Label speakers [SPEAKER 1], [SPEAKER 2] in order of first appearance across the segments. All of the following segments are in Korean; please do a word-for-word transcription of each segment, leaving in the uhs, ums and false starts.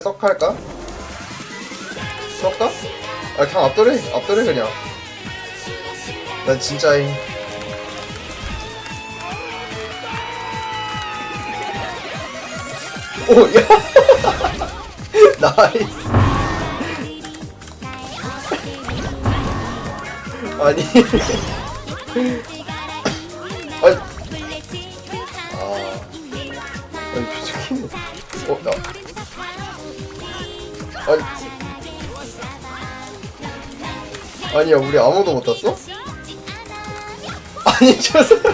[SPEAKER 1] 썩 할까? 썩까? 아 그냥 앞돌해 앞돌해 그냥. 난 진짜임. 오 야. 나이스. 아니. 아니. 아. 아니 표정이. 어 나. 아니. 아니야 우리 아무도 못 땄어? 아니 저 사람.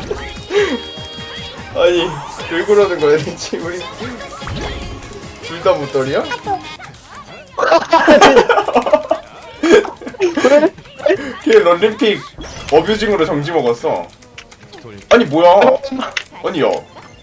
[SPEAKER 1] 아니 왜 그러는 거야 대체 우리 둘 다 못떨이야? 걔 런림픽 어뷰징으로 정지 먹었어. 아니 뭐야? 아니 야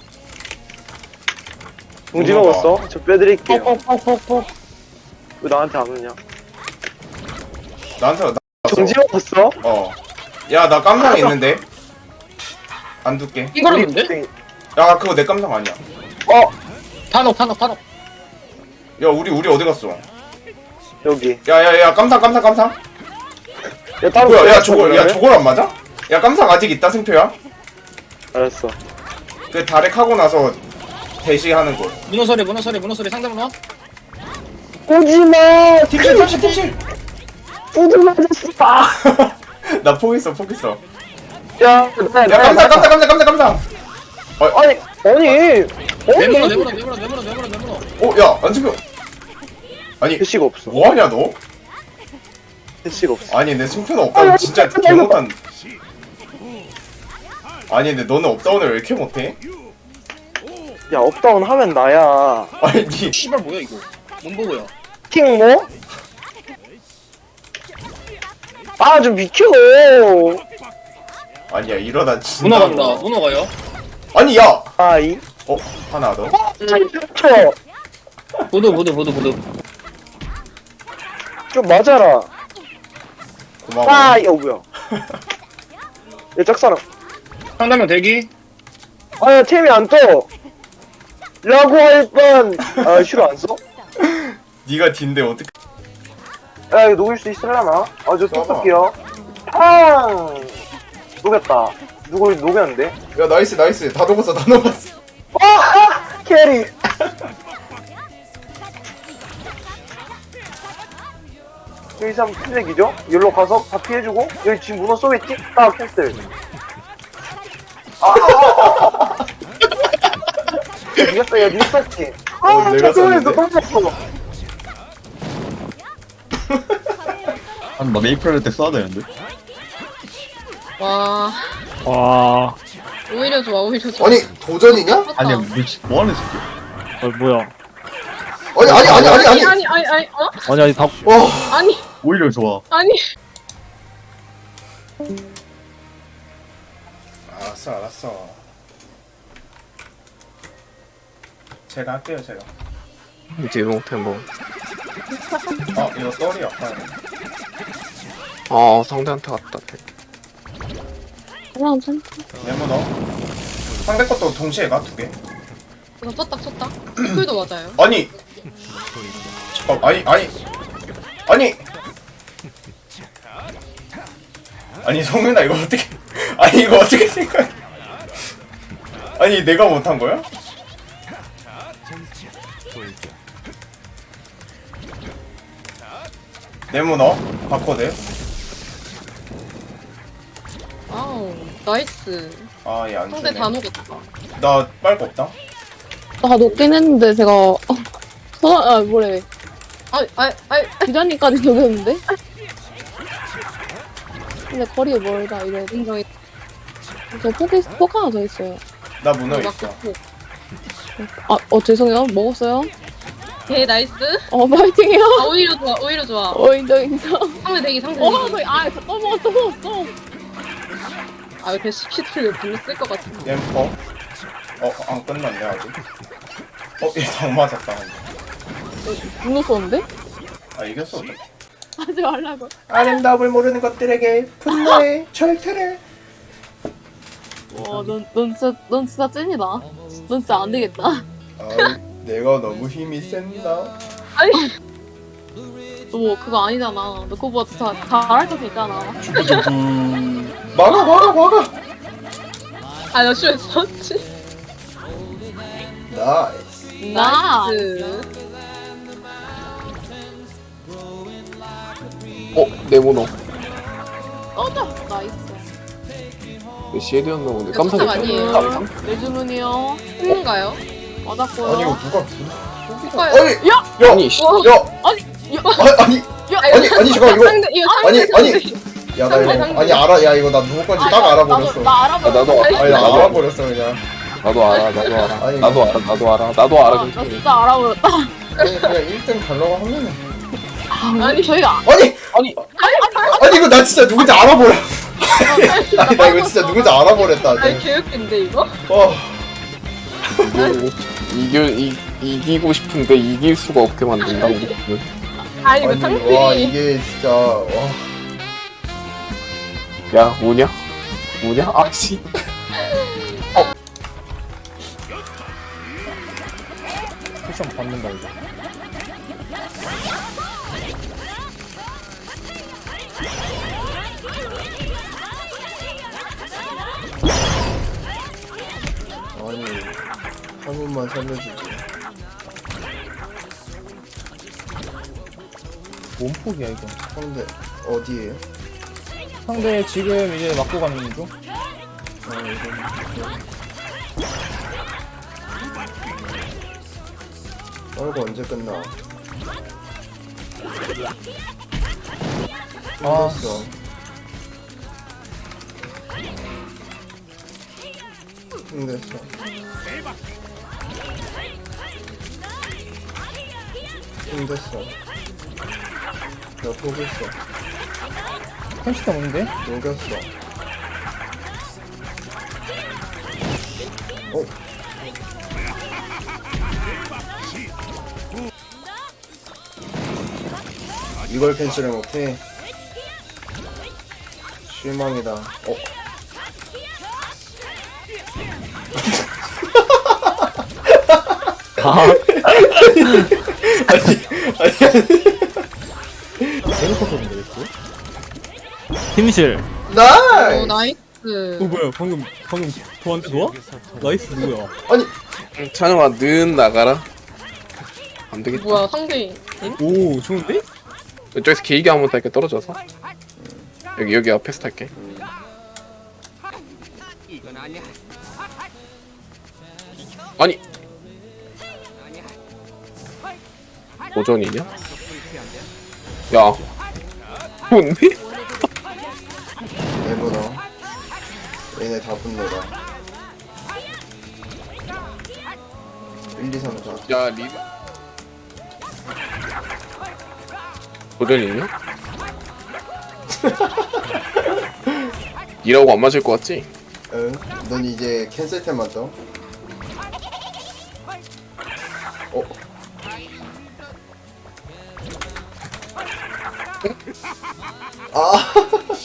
[SPEAKER 2] 정지 먹었어? 저 빼드릴게요. 왜 나한테 안 오냐?
[SPEAKER 1] 나한테 나
[SPEAKER 2] 정지 먹었어?
[SPEAKER 1] 어. 야 나 깜상 있는데 안 둘게.
[SPEAKER 3] 이거는데?
[SPEAKER 1] 야 그거 내 깜상 아니야.
[SPEAKER 2] 어!
[SPEAKER 3] 탄옥 탄옥 탄옥.
[SPEAKER 1] 야 우리 우리 어디 갔어?
[SPEAKER 2] 여기.
[SPEAKER 1] 야야야 깜상 깜상 깜상.
[SPEAKER 2] 야, 따로
[SPEAKER 1] 뭐야 야
[SPEAKER 2] 보냈어,
[SPEAKER 1] 저거 야
[SPEAKER 2] 그러면?
[SPEAKER 1] 저걸 안 맞아? 야 깜상 아직 있다 승표야.
[SPEAKER 2] 알았어.
[SPEAKER 1] 그 다렉 하고 나서 대시하는 거.
[SPEAKER 3] 문어 소리 문어 소리 문어 소리 상대 문어.
[SPEAKER 2] 오지마!
[SPEAKER 1] 팀실 팀실 팀실.
[SPEAKER 2] 우드 맞았어! 아!
[SPEAKER 1] 나 포기했어 포기했어.
[SPEAKER 2] 야, 나,
[SPEAKER 1] 야 깜상 깜상 깜상 깜상 깜상.
[SPEAKER 2] 아니, 아니!
[SPEAKER 3] 내 문어 내
[SPEAKER 2] 아니!
[SPEAKER 3] 문어 내 문어 내 문어 내 문어 내 문어.
[SPEAKER 1] 어야 안승표. 아니
[SPEAKER 2] 대시가 없어.
[SPEAKER 1] 뭐하냐 너?
[SPEAKER 2] 대시가 없어.
[SPEAKER 1] 아니 내 승표는 없다고 진짜 개 못한. 아니 근데 너는 업다운을 왜 이렇게 못해?
[SPEAKER 2] 야, 업다운 하면 나야.
[SPEAKER 1] 아니 니
[SPEAKER 3] 씨발 뭐야 이거? 뭔 보고야?
[SPEAKER 2] 킹 뭐? 아, 좀 비켜!
[SPEAKER 1] 아니야 이러다 진짜.
[SPEAKER 3] 문어 간다. 문어 가요.
[SPEAKER 1] 아니 야.
[SPEAKER 2] 아이.
[SPEAKER 1] 어 하나 더.
[SPEAKER 2] 쳐!
[SPEAKER 3] 보드 보드 보드 보드.
[SPEAKER 2] 좀 맞아라.
[SPEAKER 1] 고마워.
[SPEAKER 2] 아, 야, 뭐야. 야, 짝사랑.
[SPEAKER 3] 상대면 대기.
[SPEAKER 2] 아, 야, 템이 안 떠! 라고 할 뻔! 아, 싫어 안 써?
[SPEAKER 1] 니가 딘데 어떻게?
[SPEAKER 2] 야, 이거 녹일 수 있으려나? 아, 저
[SPEAKER 1] 써봐.
[SPEAKER 2] 뚝뚝이요. 팡! 녹였다. 누구 녹였는데?
[SPEAKER 1] 야 나이스 나이스 다 녹았어 다 녹았어.
[SPEAKER 2] 아! 캐리! 여기서 한번 피색이죠? 여기로 가서 다 피해주고, 여기 지금 문어 쏘겠지? 딱 캔슬. 아! 야, 니가 야, 니가 쐈지?
[SPEAKER 1] 어,
[SPEAKER 2] 아,
[SPEAKER 1] 내가
[SPEAKER 2] 잠깐만, 너
[SPEAKER 1] 쐈는데?
[SPEAKER 2] 너무 아파.
[SPEAKER 4] 한 막 메이플 때 써야 되는데.
[SPEAKER 5] 와
[SPEAKER 6] 와,
[SPEAKER 5] 오히려 좋아 오히려 좋아
[SPEAKER 1] 아니 도전이냐?
[SPEAKER 5] 맞다.
[SPEAKER 4] 아니야 미치 뭐하는 새끼야.
[SPEAKER 6] 어, 뭐야?
[SPEAKER 1] 아니 아니 아니 아니 아니.
[SPEAKER 5] 아니 아니 아니 어?
[SPEAKER 6] 아니, 아니, 다,
[SPEAKER 1] 와.
[SPEAKER 5] 아니
[SPEAKER 4] 오히려 좋아.
[SPEAKER 5] 아니
[SPEAKER 1] 알았어 알았어. 제가 할게요 제가.
[SPEAKER 7] 이제 롱템보.
[SPEAKER 1] 아 이거 떨이 약간.
[SPEAKER 7] 아 상대한테 왔다.
[SPEAKER 5] 그럼 참
[SPEAKER 1] 네모 넣어. 상대 것도 동시에 가 두 개.
[SPEAKER 5] 이거 쳤다 쳤다 풀도 맞아요
[SPEAKER 1] 아니. 잠깐 아니 아니 아니. 아니 성민아 이거 어떻게? 아니 이거 어떻게 생각? 아니 내가 못한 거야? 네모 넣어. 바코드.
[SPEAKER 5] 아우 나이스
[SPEAKER 1] 아얘 안
[SPEAKER 5] 상대
[SPEAKER 1] 주네.
[SPEAKER 5] 다 녹였다
[SPEAKER 1] 나 빨고 없다.
[SPEAKER 8] 다 녹긴 했는데 제가 어, 서, 아 뭐래
[SPEAKER 5] 아아아
[SPEAKER 8] 기자님까지 녹였는데 근데 거리가 멀다 이래
[SPEAKER 5] 인정이
[SPEAKER 8] 저 포기 포크 하나 더 있어요
[SPEAKER 1] 나 문어 있어.
[SPEAKER 8] 아 어 죄송해요 먹었어요
[SPEAKER 5] 개 나이스
[SPEAKER 8] 어 파이팅해요
[SPEAKER 5] 아 오히려 좋아 오히려 좋아
[SPEAKER 8] 어 인정 인정
[SPEAKER 5] 상대 대기 상대
[SPEAKER 8] 어
[SPEAKER 5] 대기
[SPEAKER 8] 거의 아또 먹었어 또 먹었어
[SPEAKER 5] 아 이렇게 시키트를 불러 쓸것 같은데
[SPEAKER 1] 엠퍼. 어안 끝났네 아직. 어얘당 맞았다.
[SPEAKER 8] 분노 쏘는데?
[SPEAKER 1] 아 이겼어. 어차피.
[SPEAKER 8] 하지 말라고
[SPEAKER 1] 아름다움을 모르는 것들에게 분노의 절퇴를.
[SPEAKER 8] 어넌 넌 진짜 넌 진짜 찐이다 넌 진짜 안 되겠다
[SPEAKER 1] 아 내가 너무 힘이 센다.
[SPEAKER 5] 아니. 너 그거 아니잖아. 너 그거보다 더 잘할 수 있잖아.
[SPEAKER 1] 막아 막아 막아.
[SPEAKER 5] 아, 나 슈에 썼지.
[SPEAKER 1] 나이스.
[SPEAKER 5] 나이스.
[SPEAKER 7] 어? 내 문어.
[SPEAKER 5] 떠져. 나이스.
[SPEAKER 7] 내 시에드였나 본데.
[SPEAKER 5] 깜짝
[SPEAKER 7] 깜짝이야.
[SPEAKER 5] 아니에요.
[SPEAKER 7] 깜짝.
[SPEAKER 5] 내 주문이요. 큰가요? 맞았고요.
[SPEAKER 1] 아니 이거 누가
[SPEAKER 5] 큰가요?
[SPEAKER 1] 아니
[SPEAKER 5] 야!
[SPEAKER 1] 야
[SPEAKER 7] 아니, 씨.
[SPEAKER 1] 야
[SPEAKER 5] 아니, 야!
[SPEAKER 1] 아, 아니
[SPEAKER 5] 야!
[SPEAKER 1] 아니 아니 잠깐 이거
[SPEAKER 5] 상대, 이거
[SPEAKER 1] 아니
[SPEAKER 5] 상대,
[SPEAKER 1] 아니
[SPEAKER 5] 상대.
[SPEAKER 1] 야 나
[SPEAKER 5] 상대,
[SPEAKER 1] 이거
[SPEAKER 5] 상대.
[SPEAKER 1] 아니 알아 야 이거 나 누구 건지 딱
[SPEAKER 5] 아,
[SPEAKER 1] 알아버렸어.
[SPEAKER 5] 나도, 나 알아버렸어.
[SPEAKER 7] 아, 나도
[SPEAKER 1] 아니 나
[SPEAKER 7] 나도.
[SPEAKER 1] 알아버렸어 그냥.
[SPEAKER 7] 나도 알아, 나도 알아.
[SPEAKER 1] 아니,
[SPEAKER 7] 나도 알아, 나도 알아. 나도
[SPEAKER 5] 아,
[SPEAKER 7] 알아.
[SPEAKER 5] 나
[SPEAKER 7] 괜찮아.
[SPEAKER 5] 진짜 알아버렸다.
[SPEAKER 1] 아니 그냥 일 등 가려고 하면은.
[SPEAKER 5] 아니, 저희가.
[SPEAKER 1] 아니
[SPEAKER 7] 아니,
[SPEAKER 1] 아니 이거 나 진짜 누군지 알아버려. 아니 나 이거 진짜 누군지 알아버렸다.
[SPEAKER 5] 아니,
[SPEAKER 1] 아니,
[SPEAKER 5] 개웃긴데, 이거?
[SPEAKER 1] 어.
[SPEAKER 7] 이겨, 이, 이기고 싶은데 이길 수가 없게 만든다고.
[SPEAKER 5] 아니, 이거
[SPEAKER 1] 아니 와
[SPEAKER 5] 상대.
[SPEAKER 1] 이게 진짜 와.
[SPEAKER 7] 야, 뭐냐? 뭐냐? 아, 씨.
[SPEAKER 6] 쿠션 받는다 이거.
[SPEAKER 1] 아니 한 번만 살려주지.
[SPEAKER 6] 몸폭이야 이거.
[SPEAKER 1] 상대 어디에요?
[SPEAKER 6] 상대 지금 이제 맞고 가는 중.
[SPEAKER 1] 아 이거 떨고 언제 끝나?
[SPEAKER 6] 아.
[SPEAKER 1] 힘들었어. 힘들었어. 힘들었어. 나 포기했어.
[SPEAKER 6] 펜시가 뭔데?
[SPEAKER 1] 녹였어. 어? 이걸 캔슬을 못해? 실망이다. 어?
[SPEAKER 6] 데리커서인데 이거? 팀실.
[SPEAKER 5] 오,
[SPEAKER 1] 나이스!
[SPEAKER 5] 나이스.
[SPEAKER 6] 어 뭐야 방금 방금 도한테 놓아? 나이스 누구야?
[SPEAKER 1] 아니
[SPEAKER 7] 찬영아, 는 나가라. 안 되겠다.
[SPEAKER 5] 뭐야, 상대.
[SPEAKER 6] 오 좋은데?
[SPEAKER 7] 이쪽에서 길게 한번 탈게, 떨어져서. 여기, 여기 앞에서 탈게. 아니. 도전이냐? 야. 뭔데?
[SPEAKER 1] 내보러 얘네 다 분노다. 일, 이, 삼, 사.
[SPEAKER 7] 야, 리. 도전이냐? 이라고 안 맞을 것 같지?
[SPEAKER 1] 응? 넌 이제 캔슬템 맞아? 어? 아!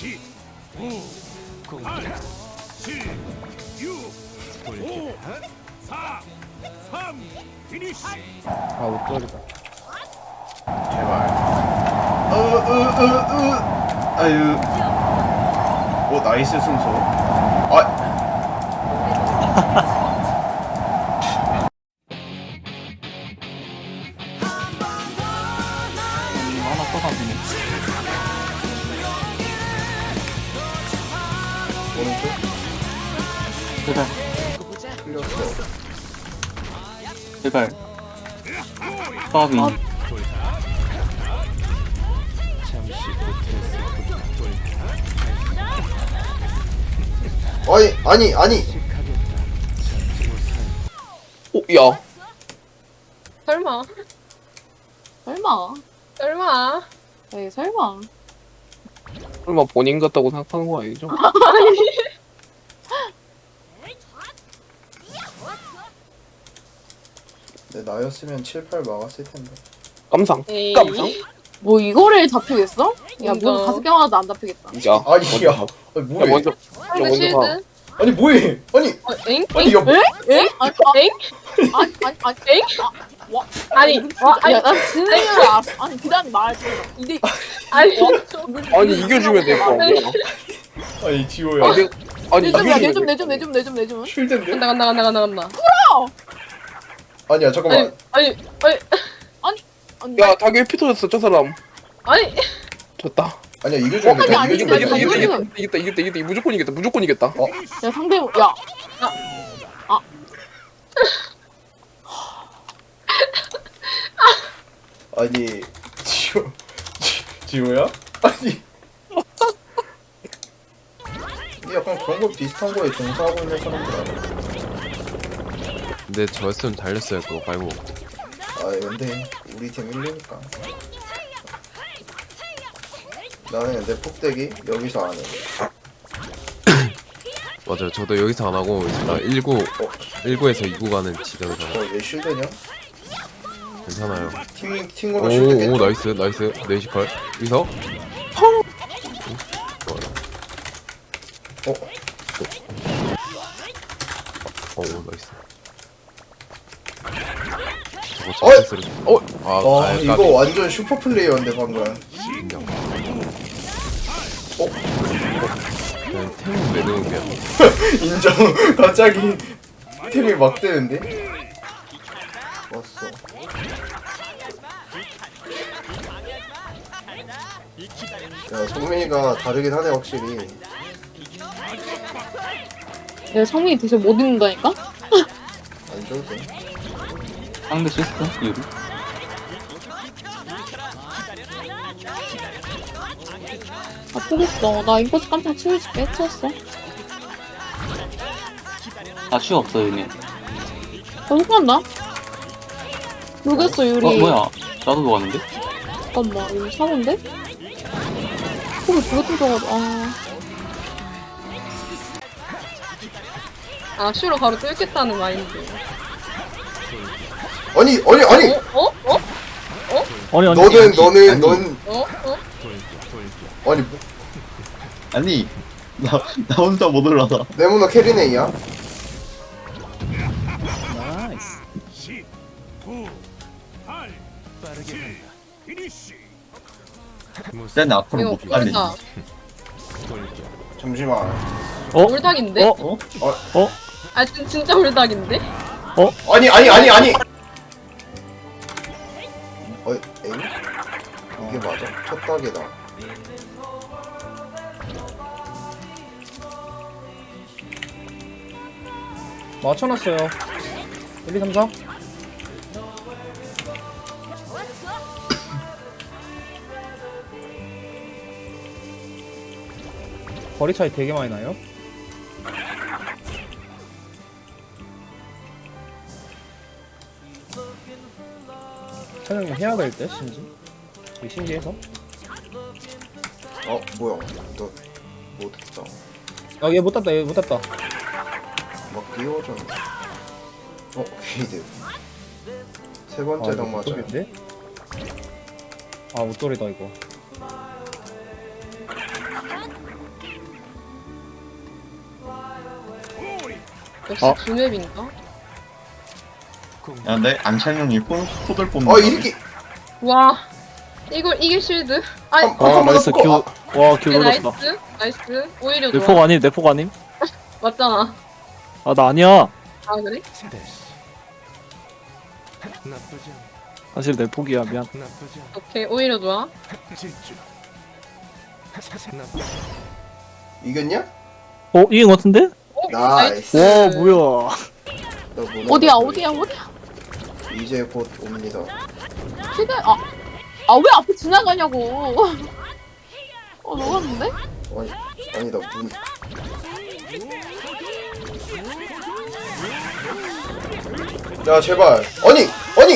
[SPEAKER 6] 아 못들어겠다.
[SPEAKER 1] 제발. 으, 으, 으, 으. 아유. 오, 나이스 순서. 아.
[SPEAKER 6] 하나 떠가지네.
[SPEAKER 1] 오른쪽?
[SPEAKER 6] 제발
[SPEAKER 1] 틀렸어.
[SPEAKER 6] 제발. 빠비.
[SPEAKER 1] 아니, 아니, 아니.
[SPEAKER 7] 오, 야.
[SPEAKER 5] 설마.
[SPEAKER 8] 설마.
[SPEAKER 5] 설마.
[SPEAKER 8] 에이, 설마.
[SPEAKER 7] 설마 본인 같다고 생각하는 거 아니죠?
[SPEAKER 1] 내 나였으면 칠, 팔 막았을 텐데.
[SPEAKER 7] 깜상.
[SPEAKER 5] 에이.
[SPEAKER 7] 깜상?
[SPEAKER 8] 뭐 이거를 잡히겠어? 야,
[SPEAKER 5] 뭔가.
[SPEAKER 8] 뭐 다섯 개 맞아도 안 잡히겠다.
[SPEAKER 7] 야.
[SPEAKER 1] 아니,
[SPEAKER 7] 먼저
[SPEAKER 1] 야.
[SPEAKER 7] 가.
[SPEAKER 1] 아니,
[SPEAKER 7] 야,
[SPEAKER 1] 뭐야?
[SPEAKER 7] 먼저. 야,
[SPEAKER 5] 상대
[SPEAKER 7] 먼저 가.
[SPEAKER 5] 실드.
[SPEAKER 1] 아니 뭐해? 아니
[SPEAKER 9] 어, 엥?
[SPEAKER 1] 아니 야 뭐-
[SPEAKER 5] 에? 아니, 아,
[SPEAKER 9] 엥?
[SPEAKER 5] 아니, 아니, 아니,
[SPEAKER 9] 엥?
[SPEAKER 5] 아, 와,
[SPEAKER 9] 아니, 와, 아니,
[SPEAKER 5] 야, 나 진행을 알 아니, 기다려, 말지. 이게,
[SPEAKER 9] 아니,
[SPEAKER 7] 아니 이겨주면 될 거 아니야.
[SPEAKER 1] 아니 지호야.
[SPEAKER 7] 아니 아니
[SPEAKER 5] 내좀, 야,
[SPEAKER 7] 이겨주면
[SPEAKER 5] 내좀,
[SPEAKER 7] 될
[SPEAKER 5] 내좀, 내좀, 내좀, 내좀.
[SPEAKER 1] 쉴드인데?
[SPEAKER 9] 간다, 간다, 간다, 간다, 간다.
[SPEAKER 1] 아니야 잠깐만.
[SPEAKER 9] 아니, 아니, 아니,
[SPEAKER 5] 아니,
[SPEAKER 7] 야 닭에 피 터졌어 저 사람.
[SPEAKER 9] 아니,
[SPEAKER 7] 졌다.
[SPEAKER 1] 아니야 이겨주면 돼.
[SPEAKER 5] 아니,
[SPEAKER 1] 이겨주면
[SPEAKER 5] 아니,
[SPEAKER 1] 돼.
[SPEAKER 5] 아니,
[SPEAKER 7] 이겼다
[SPEAKER 5] 아니,
[SPEAKER 7] 이겼다
[SPEAKER 5] 아니.
[SPEAKER 7] 이겼다 이겼다 이겼다 무조건 이겼다 무조건 이겼다.
[SPEAKER 5] 야, 상대, 야.
[SPEAKER 1] 아니 지호 지- 지호야? 아니 이 약간 그런 거 비슷한 거에 종사하고 있는 사람들 아니야?
[SPEAKER 10] 근데 저였으면 달렸어요 그거 말고.
[SPEAKER 1] 아 근데 우리 팀 일리니까. 나는 근데 폭대기 여기서 안 해.
[SPEAKER 10] 맞아요. 저도 여기서 안 하고 이제 나 일구 일구에서 이구 가는 지점에서
[SPEAKER 1] 너얘 쉴드냐?
[SPEAKER 10] 괜찮아요.
[SPEAKER 1] 팀 팀으로 쉴드겠지?
[SPEAKER 10] 오오 나이스 나이스 네이시컬 여기서
[SPEAKER 1] 어?
[SPEAKER 10] 어 나이스. 저거
[SPEAKER 1] 어이!
[SPEAKER 10] 진짜 쓰리. 어? 아,
[SPEAKER 1] 아
[SPEAKER 10] 아
[SPEAKER 1] 이거
[SPEAKER 10] 까비.
[SPEAKER 1] 완전 슈퍼 플레이어인데 방금.
[SPEAKER 10] 인정.
[SPEAKER 1] 어?
[SPEAKER 10] 그냥 템 매듭이야.
[SPEAKER 1] 인정. 갑자기 템이 막 되는데? 왔어. 야 성민이가 다르긴 하네 확실히.
[SPEAKER 5] 내 성민이 대체 못 입는다니까?
[SPEAKER 1] 안 줘도 돼.
[SPEAKER 4] 상대 시스템? 유리?
[SPEAKER 5] 아프겠어. 나 인코스 깜짝 치우줄게. 해쳤어.
[SPEAKER 11] 다시 없어 얘네.
[SPEAKER 5] 어, 속간다? 모르겠어, 유리.
[SPEAKER 11] 어 뭐야? 나도 녹았는데?
[SPEAKER 5] 잠깐만, 이거 사고인데? 속이 두개 터져가지고, 아.
[SPEAKER 9] 아, 슈로 바로 뚫겠다는 마인드.
[SPEAKER 1] 아니 아니 아니.
[SPEAKER 9] 어? 어? 어?
[SPEAKER 6] 아니, 아니.
[SPEAKER 1] 너는 너는
[SPEAKER 4] 아니.
[SPEAKER 1] 넌
[SPEAKER 9] 어? 어?
[SPEAKER 1] 아니 뭐,
[SPEAKER 4] 아니 나, 나 혼자 못 올라가.
[SPEAKER 1] 네모나 캐리네이야?
[SPEAKER 6] 나이스.
[SPEAKER 4] 쟤는 앞으로
[SPEAKER 9] 이거
[SPEAKER 4] 못 달리지.
[SPEAKER 9] 올다.
[SPEAKER 1] 잠시만.
[SPEAKER 6] 어?
[SPEAKER 9] 올닭인데?
[SPEAKER 6] 어? 어?
[SPEAKER 9] 아, 진, 진짜 올닭인데?
[SPEAKER 1] 아니 아니 아니 아니. 어 에이? 이게 맞아? 첫 딱이다.
[SPEAKER 6] 맞춰놨어요. 일, 이, 삼, 사. 거리 차이 되게 많이 나요. 사장님 해야 될 때, 신지. 되게 신기해서.
[SPEAKER 1] 어 뭐야? 너 못했다.
[SPEAKER 6] 아, 얘 못 땄다, 얘 못 땄다.
[SPEAKER 1] 막 끼워졌네. 어 퀴드. 세
[SPEAKER 6] 아,
[SPEAKER 1] 번째
[SPEAKER 6] 이거
[SPEAKER 1] 당 맞아요.
[SPEAKER 6] 못돌인데? 아, 못돌이다, 이거.
[SPEAKER 9] 역시
[SPEAKER 6] 어?
[SPEAKER 9] 두맵인가?
[SPEAKER 4] 야, 내 안창용이 포, 포들 뽑는
[SPEAKER 1] 어 이렇게.
[SPEAKER 9] 와, 이걸, 이게 쉴드? 아,
[SPEAKER 1] 한- 한 번만
[SPEAKER 6] 나이스,
[SPEAKER 1] 더
[SPEAKER 6] 큐.
[SPEAKER 1] 아,
[SPEAKER 6] 와, 큐
[SPEAKER 9] 오케이,
[SPEAKER 6] 놀랐다.
[SPEAKER 9] 나이스, 나이스. 오히려
[SPEAKER 6] 내
[SPEAKER 9] 좋아.
[SPEAKER 6] 폭 아님, 내 폭 아님?
[SPEAKER 9] 맞잖아.
[SPEAKER 6] 아, 나 아니야.
[SPEAKER 9] 아, 그래?
[SPEAKER 6] 사실 내 폭이야, 미안.
[SPEAKER 9] 오케이, 오히려 좋아.
[SPEAKER 1] 이겼냐?
[SPEAKER 6] 어, 이긴 것 같은데?
[SPEAKER 9] 오,
[SPEAKER 1] 나이스.
[SPEAKER 6] 와, 뭐야.
[SPEAKER 1] 너 문어
[SPEAKER 5] 어디야,
[SPEAKER 1] 같아.
[SPEAKER 5] 어디야, 어디야?
[SPEAKER 1] 이제 곧 옵니다.
[SPEAKER 5] 최대, 아. 아, 왜 앞에 지나가냐고. 어, 녹았는데?
[SPEAKER 1] 아니 아니 나 문. 야 제발. 아니 아니.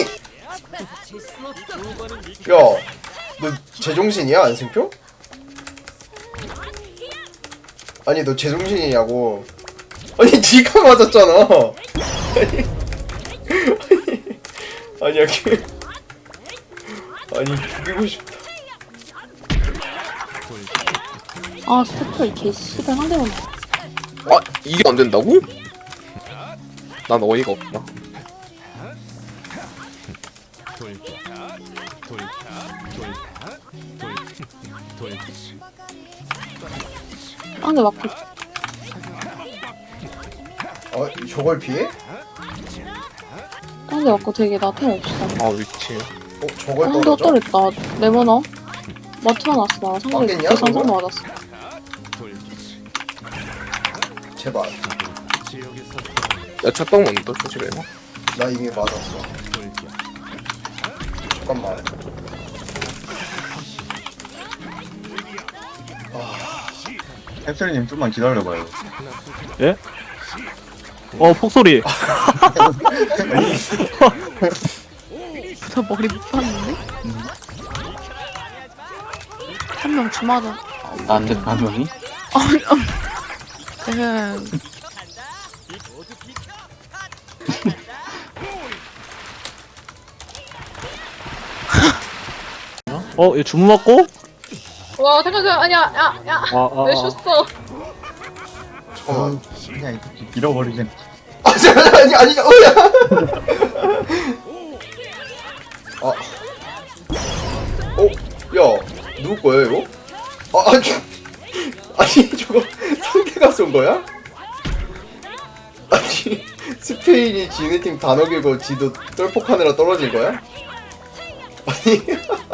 [SPEAKER 1] 야, 너 제정신이야 안승표? 아니 너 제정신이냐고. 아니 니가 맞았잖아. 아니 아니 아니야 걔. 아니 죽이고 싶다.
[SPEAKER 5] 아, 스페 이 개씨발 상대만.
[SPEAKER 7] 아 이게 안 된다고? 난 어이가 없다.
[SPEAKER 8] 상대 맞고.
[SPEAKER 1] 어 저걸 피해?
[SPEAKER 8] 상대 맞고 되게 나템 없어.
[SPEAKER 7] 아 위치.
[SPEAKER 1] 어 저걸
[SPEAKER 8] 상대
[SPEAKER 1] 떨어져?
[SPEAKER 8] 어떠랬다. 레모너. 마트만 왔어. 나 상대
[SPEAKER 1] 맞겠냐,
[SPEAKER 8] 계산
[SPEAKER 1] 그거?
[SPEAKER 8] 상대 맞았어.
[SPEAKER 1] 제발.
[SPEAKER 7] 야 첫방 먼저 조심해.
[SPEAKER 1] 나 이미 맞았어. 잠깐만.
[SPEAKER 4] 햄스터님 좀만 기다려봐요.
[SPEAKER 6] 어 폭소리.
[SPEAKER 8] 저 머리 못 봤는데? 한 명 주마다.
[SPEAKER 11] 나한테 가면이?
[SPEAKER 8] 음.
[SPEAKER 6] 어, 얘 주문 맞고?
[SPEAKER 9] 와 잠깐 잠깐 아니야 야야
[SPEAKER 6] 아, 아,
[SPEAKER 9] 왜
[SPEAKER 6] 아.
[SPEAKER 9] 줬어?
[SPEAKER 1] 잠깐만.
[SPEAKER 4] 그냥 이렇게 밀어버리겠네.
[SPEAKER 1] 아 잠깐 아니 아니 어야. 아. 어? 야 누구 거야 이거? 아 아니 아니 저거 상대가 쏜 거야? 아니 스페인이 지네 팀 단어 길고 지도 똘폭하느라 떨어진 거야? 아니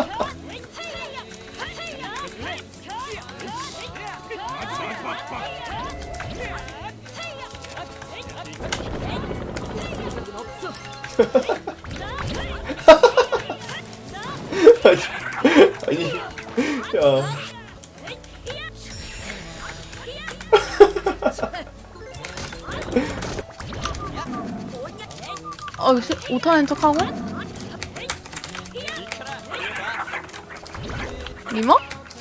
[SPEAKER 1] 아니 아니 야
[SPEAKER 8] 어, 시, 오타낸 척하고? 미모?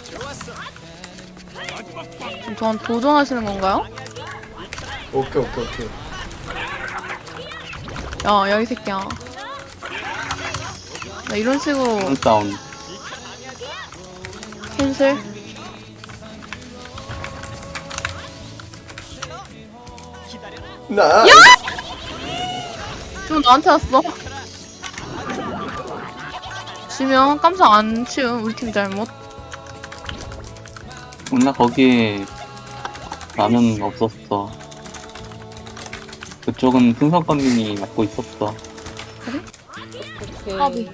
[SPEAKER 8] 지금 저한테 도전하시는 건가요?
[SPEAKER 1] 오케이 오케이 오케이.
[SPEAKER 8] 야, 야, 이 새끼야. 나 이런 식으로
[SPEAKER 11] 홈다운.
[SPEAKER 8] 캔슬?
[SPEAKER 1] 나
[SPEAKER 8] 지금 나한테 왔어. 지면 깜짝 안 치운 우리 팀 잘못.
[SPEAKER 11] 나 거기에 라면 없었어. 그쪽은 풍선감님이 맡고 있었어.
[SPEAKER 8] 까비.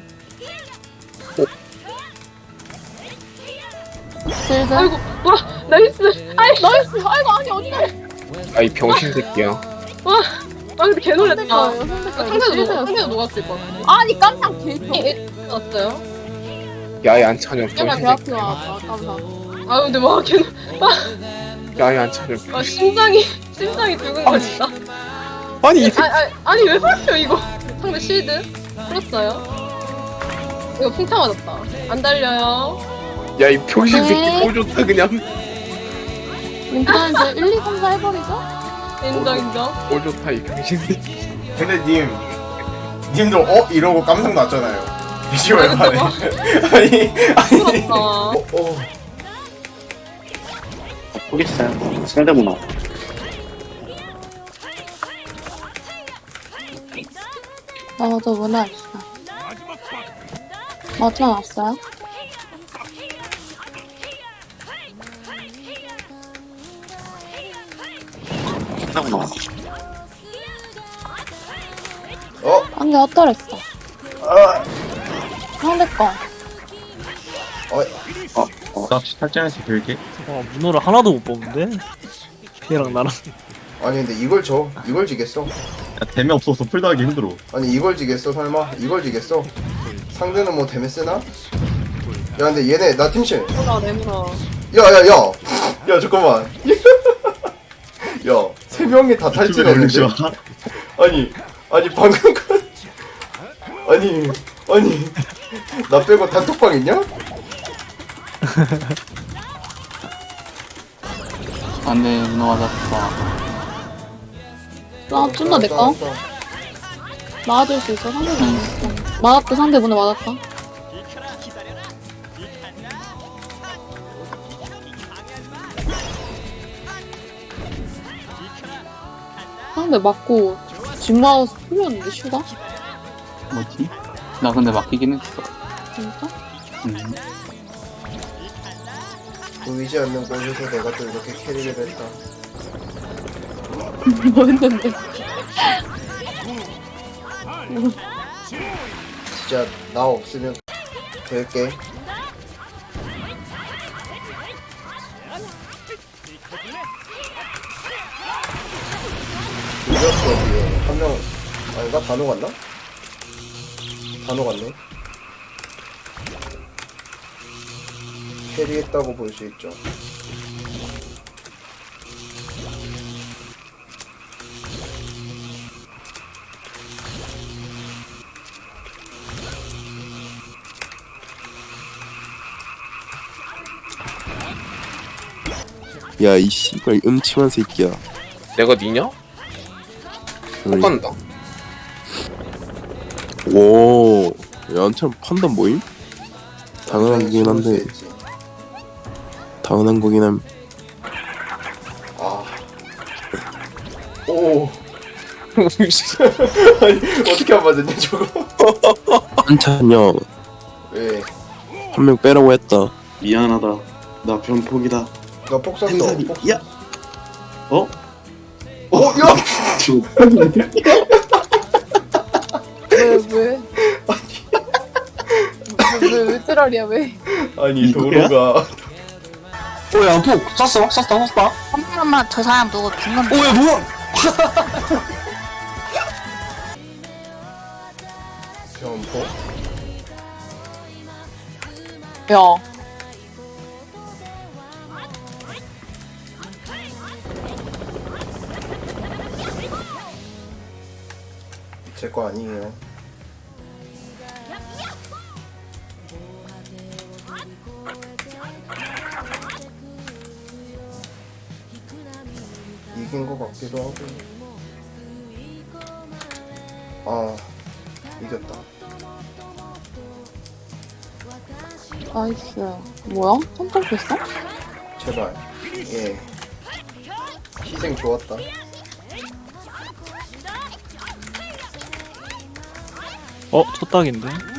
[SPEAKER 8] 실드?
[SPEAKER 9] 아이고 와 나이스. 아이
[SPEAKER 8] 나이스! 아이고, 아니, 어디가?
[SPEAKER 7] 아이 병신 새끼야.
[SPEAKER 9] 와. 아 근데 개 놀랬다.
[SPEAKER 8] 상대가요,
[SPEAKER 9] 아,
[SPEAKER 8] 상대가요.
[SPEAKER 9] 상대도 녹-
[SPEAKER 8] 실드였어.
[SPEAKER 9] 상대도 녹았을 거.
[SPEAKER 8] 아니, 깜짝 개ito.
[SPEAKER 9] 왔어요?
[SPEAKER 7] 야이 안찬혁
[SPEAKER 8] 얘가
[SPEAKER 7] 병신
[SPEAKER 8] 배
[SPEAKER 7] 새끼.
[SPEAKER 8] 아프다. 아, 깜짝.
[SPEAKER 9] 아 근데 와개
[SPEAKER 7] 야이 안찬혁.
[SPEAKER 9] 아 심장이 심장이 두근거린다.
[SPEAKER 7] 아니 이 새끼.
[SPEAKER 9] 아, 아, 아니 왜 살펴 이거? 상대 실드 풀었어요. 이거 풍차 맞았다. 안 달려요.
[SPEAKER 7] 야이 병신 새끼
[SPEAKER 8] 네.
[SPEAKER 7] 꼴 좋다 그냥.
[SPEAKER 8] 일단 이제 일, 이, 삼, 사 해버리죠?
[SPEAKER 9] 인정 인정.
[SPEAKER 7] 꼴 좋다 이 병신 새끼.
[SPEAKER 1] 근데 님 님도 어? 이러고 깜짝 났잖아요. 비주얼 만에. 아니 아니
[SPEAKER 9] 풀었다.
[SPEAKER 1] 어, 어.
[SPEAKER 11] 모르겠어요. 상대구나.
[SPEAKER 8] 나도 문화 있어. 맞춰 놨어요?
[SPEAKER 11] 상대구나.
[SPEAKER 1] 어?
[SPEAKER 8] 상대 헛돌했어.
[SPEAKER 1] 아.
[SPEAKER 8] 상대 거.
[SPEAKER 1] 어.
[SPEAKER 4] 나 혹시 탈전에서 빌게?
[SPEAKER 6] 어, 문어를 하나도 못 뽑는데? 걔랑 나랑.
[SPEAKER 1] 아니 근데 이걸 져 이걸 지겠어?
[SPEAKER 4] 야, 데미 없어서 풀다 하기 힘들어.
[SPEAKER 1] 아니 이걸 지겠어 설마? 이걸 지겠어? 상대는 뭐 데메 쓰나? 야 근데 얘네 나 팀실
[SPEAKER 9] 내물아 내물아.
[SPEAKER 1] 야야야 야 잠깐만 야 세 명이 다 탈진했는데
[SPEAKER 4] 올리지 마.
[SPEAKER 1] 아니 아니 방금 그 아니 아니 나 빼고 단톡방 있냐?
[SPEAKER 11] 안돼 문어 맞았어.
[SPEAKER 8] 나 좀 더 내꺼.
[SPEAKER 1] 알았어, 알았어.
[SPEAKER 8] 맞을 수 있어. 상대 맞았어. 맞았다. 상대 문에 맞았다. 상대 맞고 진마우스 풀렸는데 슈가?
[SPEAKER 11] 뭐지? 나 근데 맡기긴 했어.
[SPEAKER 8] 진짜?
[SPEAKER 11] 음.
[SPEAKER 1] 보이지 않는 곳에서 내가 또 이렇게 캐리를 했다.
[SPEAKER 8] 뭐 했는데?
[SPEAKER 1] 진짜 나 없으면 될게. 늦었어 뒤에 한명 아닌가? 단호 갔나? 단호 갔네. 캐리했다고 볼 수 있죠.
[SPEAKER 12] 야, 이 씨발 음침한 새끼야.
[SPEAKER 7] 내가 니냐? 못 간다.
[SPEAKER 12] 오, 야, 한참 판단 뭐임? 당연한 거긴 한데, 당연한 거긴 함.
[SPEAKER 1] 아. 오. 아니 어떻게 안 맞았냐 저거?
[SPEAKER 12] 한찬 형,
[SPEAKER 1] 왜?
[SPEAKER 12] 한 명 빼라고 했다.
[SPEAKER 11] 미안하다. 나 변폭이다.
[SPEAKER 1] 나 폭삭도
[SPEAKER 11] 햄살이.
[SPEAKER 1] 폭.
[SPEAKER 11] 야! 어?
[SPEAKER 1] 어, 야!
[SPEAKER 9] 왜 왜? 왜왜 찌랄이야 왜?
[SPEAKER 1] 아니 도로가.
[SPEAKER 11] 오야 폭! 쐈어? 쐈다 쐈다?
[SPEAKER 8] 잠깐만 저 사람 누구 죽는
[SPEAKER 11] 오야 뭐야!
[SPEAKER 1] 점포?
[SPEAKER 8] 야
[SPEAKER 1] 제 거 아니에요. 이긴 거 같기도 하고. 아, 이겼다.
[SPEAKER 8] 나이스. 뭐야? 선택했어?
[SPEAKER 1] 제발. 예. 희생 좋았다.
[SPEAKER 6] 어? 첫 딱인데?